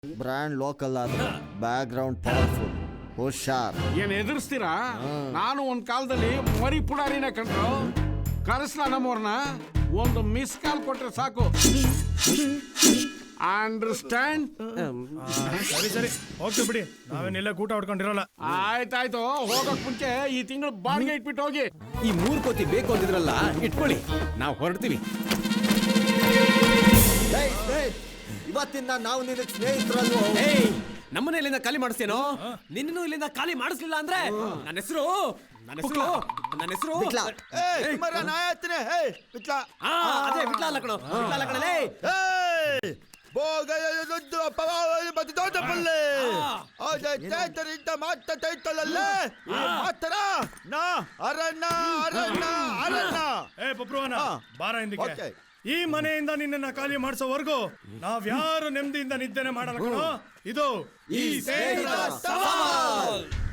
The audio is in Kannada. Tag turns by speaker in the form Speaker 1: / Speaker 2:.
Speaker 1: ಬ್ರ್ಯಾಂಡ್ ಲೋಕಲ್ ಆದ್ರೆ ಬ್ಯಾಕ್ ಗ್ರೌಂಡ್ ಪವರ್ಫುಲ್. ಹುಷಾರ್.
Speaker 2: ಏನ್ ಎದುರಿಸ್ತೀರಾ? ನಾನು ಒಂದ್ ಕಾಲದಲ್ಲಿ ಮರಿ ಪುಡಾರಿನ ಕಂಡ್ರು. ಕರೆಸ್ಲಾ ನಮ್ಮವ್ರನ್ನ ಒಂದು ಮಿಸ್ ಕಾಲ್ ಕೊಟ್ರೆ ಸಾಕು. ಅಂಡರ್ಸ್ಟ್ಯಾಂಡ್?
Speaker 3: ಸರಿ ಸರಿ ಹೋಗ್ತೀವಿ ಬಿಡಿ, ನಾವೇನೆಲ್ಲ ಊಟ ಹೊಡ್ಕೊಂಡಿರಲ್ಲ.
Speaker 2: ಆಯ್ತಾಯ್ತು, ಹೋಗಕ್ ಮುಂಚೆ ಈ ತಿಂಗಳು ಬಾಡಿಗೆ ಇಟ್ಬಿಟ್ಟು ಹೋಗಿ.
Speaker 4: ಈ 3 ಕೋತಿ ಬೇಕು ಅಂದಿದ್ರಲ್ಲ, ಇಟ್ಕೊಳ್ಳಿ, ನಾವು ಹೊರಡ್ತೀವಿ.
Speaker 1: ಇವತ್ತಿಂದ ನಾವು ನಿನಗೆ ಸ್ನೇಹಿತರಲ್ವೋ?
Speaker 4: ನಮ್ಮನ್ನ ಇಲ್ಲಿಂದ ಖಾಲಿ ಮಾಡಿಸ್ತೇನೋ? ನಿನ್ನೂ ಇಲ್ಲಿಂದ ಖಾಲಿ ಮಾಡಿಸ್ಲಿಲ್ಲ ಅಂದ್ರೆ ನನ್ನ ಹೆಸರು ಅದೇ ವಿಟ್ಲ ಅಲ್ಲ ಕಣೋ, ವಿಟ್ಲ ಅಲ್ಲ ಕಣಲೇ.
Speaker 3: ಬಾರ ಹಿಂದಕ್ಕೆ. ಈ ಮನೆಯಿಂದ ನಿನ್ನನ್ನ ಖಾಲಿ ಮಾಡಿಸೋವರೆಗೂ ನಾವ್ಯಾರು ನೆಮ್ಮದಿಯಿಂದ ನಿದ್ದೆನೆ ಮಾಡಲ್ಲ ಕಣೋ. ಇದು ಈ